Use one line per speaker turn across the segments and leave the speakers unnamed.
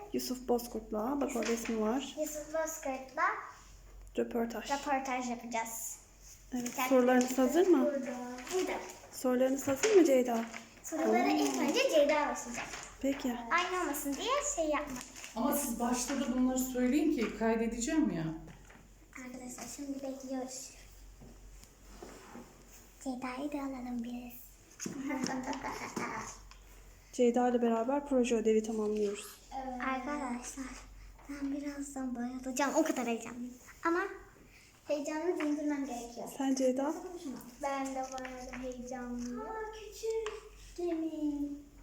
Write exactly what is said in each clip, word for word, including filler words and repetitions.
Yusuf Bozkurt'la. Bak orada ismi var.
Yusuf Bozkurt'la
Röportaj.
röportaj yapacağız.
Evet. Sorularınız hazır mı?
Burada. Burada.
Sorularınız hazır mı Ceyda?
Sorulara ilk önce Ceyda başlayacak.
Peki.
Aynı olmasın diye şey yapmadık.
Ama siz başta da bunları söyleyin ki kaydedeceğim ya.
Arkadaşlar şimdi bekliyoruz. Ceyda'yı da alalım biz.
Ceyda ile beraber proje ödevi tamamlıyoruz.
Arkadaşlar ben birazdan bayılacağım. O kadar heyecanlıyım. Ama heyecanlı dindirmem gerekiyor.
Sen Ceyda?
Ben de bayağı heyecanlıyım. Aa, küçük gemi.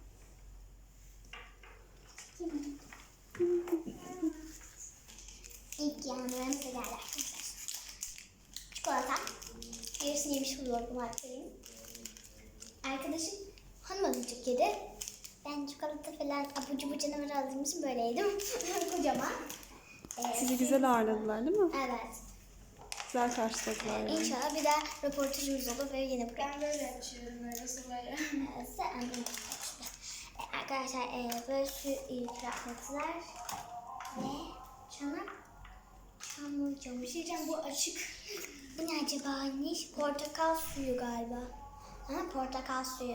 Küçük gemi. İlk yanlarımıza geldi arkadaşlar. Çikolata. Yarısını yemiş buluyorum artık. Arkadaşım hanım çok yedi. Ben çikolata falan abur cubur canavarı aldığım için böyle yedim. Kocaman. Ee,
Sizi güzel ağırladılar değil mi?
Evet.
Güzel karşıladılar yani.
İnşallah bir daha röportajımız olur ve yine buraya.
Ben böyle açıyorum öyle suları.
Ee, size annem açtı. Ee, arkadaşlar e, böyle su ikramiyetler ve çanak çamur çamur. Bir şey diyeceğim, bu açık. Bu ne acaba neymiş? Portakal suyu galiba. Ha, portakal suyu.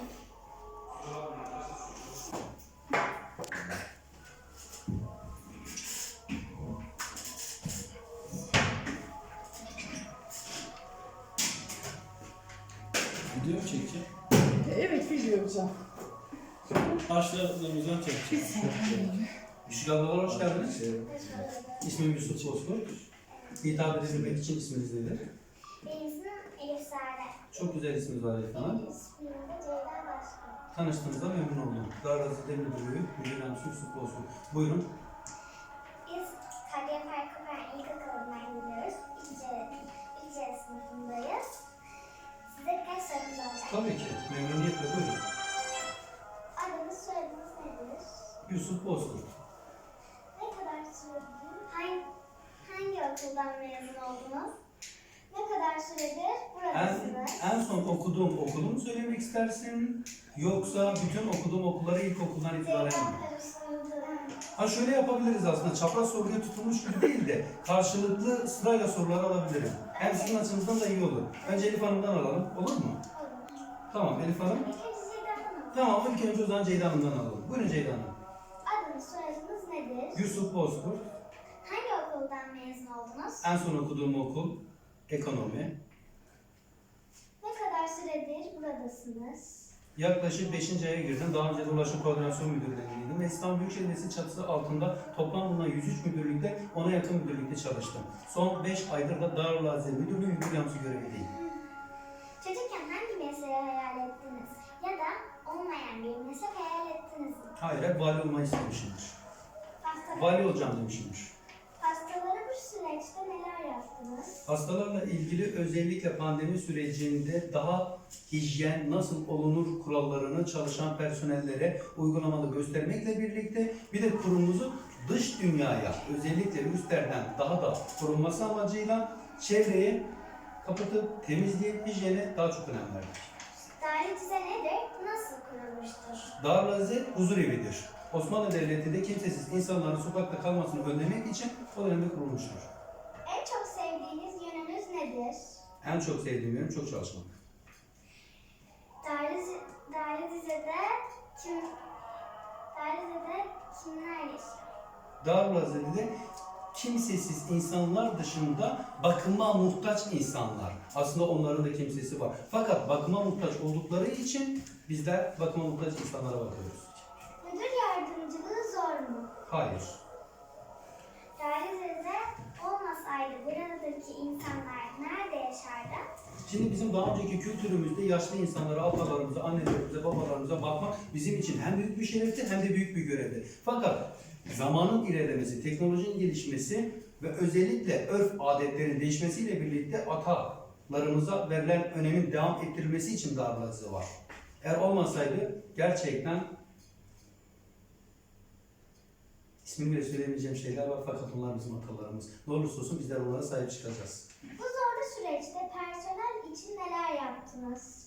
Video mu çekeceğim?
Evet biliyorum.
Başlarımızdan çekeceğim. Işık ablalar hoş geldiniz. İsmim Yusuf Bozkurt. Hitap edilmek için isminiz nedir?
Benim ismim Elif Sare.
Çok güzel isminiz var Elif Hanım.
İsmim de Ceyda Başkan.
Tanıştığınızda memnun oldum. Darrazı Demir Müdürlüğü, Müdür Yardımcısı Yusuf Bozkurt. Buyurun.
Biz Kadriye Farkıver İlkokulu'ndan gidiyoruz. İlce, İlce sınıfındayız. Size birkaç sorumuz olacak.
Tabii ki. Memnuniyetle buyurun.
Adınız, soyadınız nedir?
Yusuf Bozkurt.
Ne kadar süredir? Hangi, hangi okuldan mezun oldunuz? Ne kadar süredir
En,
buradasınız?
en son okuduğum okulu mu söylemek istersin? Yoksa bütün okuduğum okulları ilkokuldan itibaren mi?
Ceyda karıştırdı.
Ha şöyle yapabiliriz aslında. Çapraz soruya tutulmuş gibi değil de karşılıklı sırayla soruları alabilirim. Hem sizin açınızdan da iyi olur. Önce Elif Hanım'dan alalım. Olur mu?
Olur.
Tamam Elif Hanım.
İlk önce Ceyda Hanım.
Tamam ilk önce o zaman Ceyda Hanım'dan alalım. Buyurun Ceyda Hanım.
Adınız, soyadınız nedir?
Yusuf Bozkurt.
Hangi okuldan mezun oldunuz?
En son okuduğum okul ekonomi.
Ne kadar süredir buradasınız?
Yaklaşık beşinci aya girdim. Daha önce de Ulaşım Koordinasyon Müdürlüğü'ndeydim. Ve İstanbul Büyükşehir Belediyesi çatısı altında toplam bulunan yüz üç müdürlükte ona yakın müdürlükte çalıştım. Son beş aydır da Darül Aziz Müdürlüğü Müdür Yardımcısı görevliyim.
Çocukken hangi mesleği hayal ettiniz? Ya da olmayan bir meslek hayal ettiniz mi?
Hayır, hep vali olmayı istemişimdir.
Hastalar,
Vali olacağım demişimdir.
hastalara bu süreçte neler yaptınız?
Hastalarla ilgili özellikle pandemi sürecinde daha hijyen nasıl olunur kurallarını çalışan personellere uygulamalı göstermekle birlikte bir de kurumumuzu dış dünyaya özellikle virüslerden daha da korunması amacıyla çevreyi kapatıp temizliğe, hijyene daha çok önem verdik.
Daire düzen nedir? Nasıl kurulmuştur?
Darül Aziz huzur evidir. Osmanlı Devleti'nde kimsesiz insanların sokakta kalmasını önlemek için o dönemde kurulmuştur.
En çok sevdiğiniz yönünüz nedir?
En çok sevdiğim yönüm çok çalışmak.
Daire, daire düzede kim daire düzede kimler yaşıyor?
Darül Aziz'de kimsesiz insanlar dışında bakıma muhtaç insanlar. Aslında onların da kimsesi var. Fakat bakıma muhtaç oldukları için bizler bakıma muhtaç insanlara bakıyoruz.
Müdür yardımcılığı zor mu?
Hayır.
Daire düzede olmasaydı buradaki insanlar nerede yaşardı?
Şimdi bizim daha önceki kültürümüzde yaşlı insanlara, atalarımıza, annelerimize, babalarımıza bakmak bizim için hem büyük bir şerefti hem de büyük bir görevdi. Fakat zamanın ilerlemesi, teknolojinin gelişmesi ve özellikle örf adetlerin değişmesiyle birlikte atalarımıza verilen önemin devam ettirilmesi için Darül Aziz var. Eğer olmasaydı gerçekten ismini bile söylemeyeceğim şeyler var fakat onlar bizim atalarımız. Ne olursa olsun bizler onlara sahip çıkacağız.
Bu zorlu süreçte personel için neler yaptınız?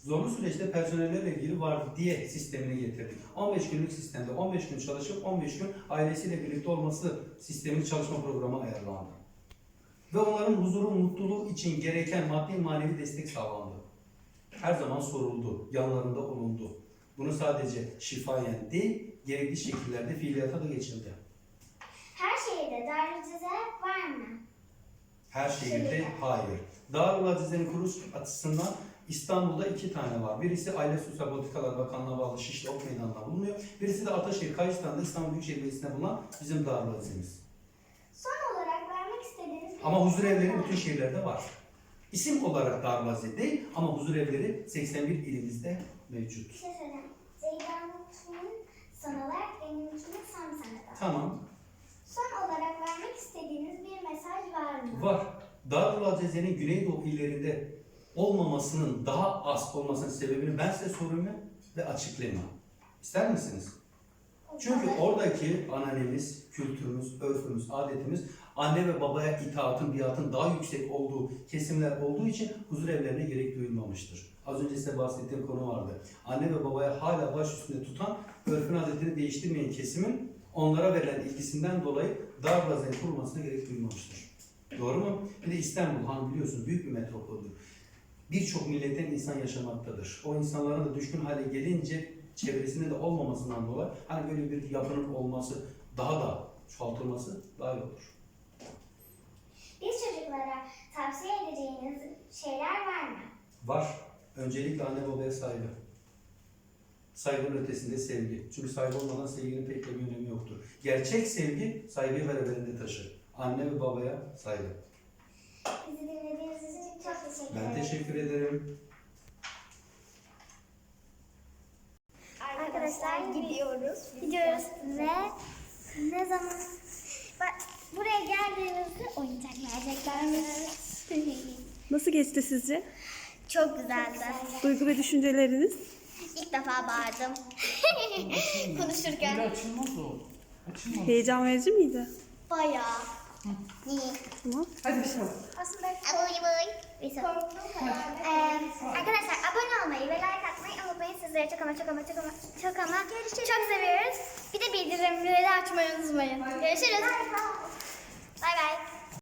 Zorlu süreçte personellerle ilgili vardiya sistemini getirdik. on beş günlük sistemde on beş gün çalışıp on beş gün ailesiyle birlikte olması sistemli çalışma programı ayarlandı. Ve onların huzuru, mutluluğu için gereken maddi manevi destek sağlandı. Her zaman soruldu, yanlarında olundu. Bunu sadece şifayen değil, gerekli şekillerde fiiliyata da geçildi.
Her şehirde Darülceze var mı?
Her şehirde hayır. Darül Azize'nin kuruluş açısından İstanbul'da iki tane var. Birisi Aile Sosyal Politikalar Bakanlığı'na bağlı Şişli Ok Meydanı'nda bulunuyor. Birisi de Ataşehir Kayıstan'da İstanbul Büyükşehir Belediyesi'nde bulunan bizim Darül Azize'miz.
Son olarak vermek istediğiniz bir
Ama huzur
mesaj
evleri
var mı?
bütün şehirlerde var. İsim olarak Darül Azize değil ama huzur evleri seksen bir ilimizde mevcut.
Bir şey söyleyeyim. Zeyda'nın son olarak benimkini son sana da.
Tamam.
Son olarak vermek istediğiniz bir mesaj var mı?
Var. Darül Azize'nin Güneydoğu illerinde olmamasının daha az olmasının sebebini ben size sorayım ve açıklayayım. İster misiniz? Çünkü oradaki ananemiz, kültürümüz, örfümüz, adetimiz anne ve babaya itaatın, biatın daha yüksek olduğu kesimler olduğu için huzur evlerine gerek duyulmamıştır. Az önce size bahsettiğim konu vardı. Anne ve babaya hala baş üstünde tutan, örfün adetini değiştirmeyen kesimin onlara verilen ilgisinden dolayı Darül Azize'nin kurulmasına gerek duyulmamıştır. Doğru mu? Bir de İstanbul, hani biliyorsunuz büyük bir metropoldür. Birçok milletten insan yaşamaktadır. O insanların da düşkün hale gelince çevresinde de olmamasından dolayı hani böyle bir yapının olması, daha da çoğaltılması daha iyi olur.
Biz çocuklara tavsiye edeceğiniz şeyler var mı?
Var. Öncelikle anne babaya saygı. Saygının ötesinde sevgi. Çünkü saygı olmadan sevginin pek de bir önemi yoktur. Gerçek sevgi saygıyı beraberinde taşır. Anne ve babaya saygı.
Bizi dinlediğiniz için çok teşekkür ederim.
Ben teşekkür ederim.
Arkadaşlar gidiyoruz. Gidiyoruz ve ne zaman bak buraya geldiğimizde oyuncak vereceklermiş.
Nasıl geçti sizce?
Çok güzeldi.
Duygu ve düşünceleriniz?
İlk defa bağırdım.
Böyle
Konuşurken.
açılmaz o. Açılmaz.
Heyecan verici miydi?
Bayağı. İyi.
Tamam.
Hadi bir şey.
Aslında abone olmayı. Arkadaşlar abone olmayı ve like atmayı unutmayın. Sizleri çok ama çok ama çok ama çok ama çok seviyoruz. Bir de bildirimleri açmayı unutmayın. Görüşürüz. Bay bay.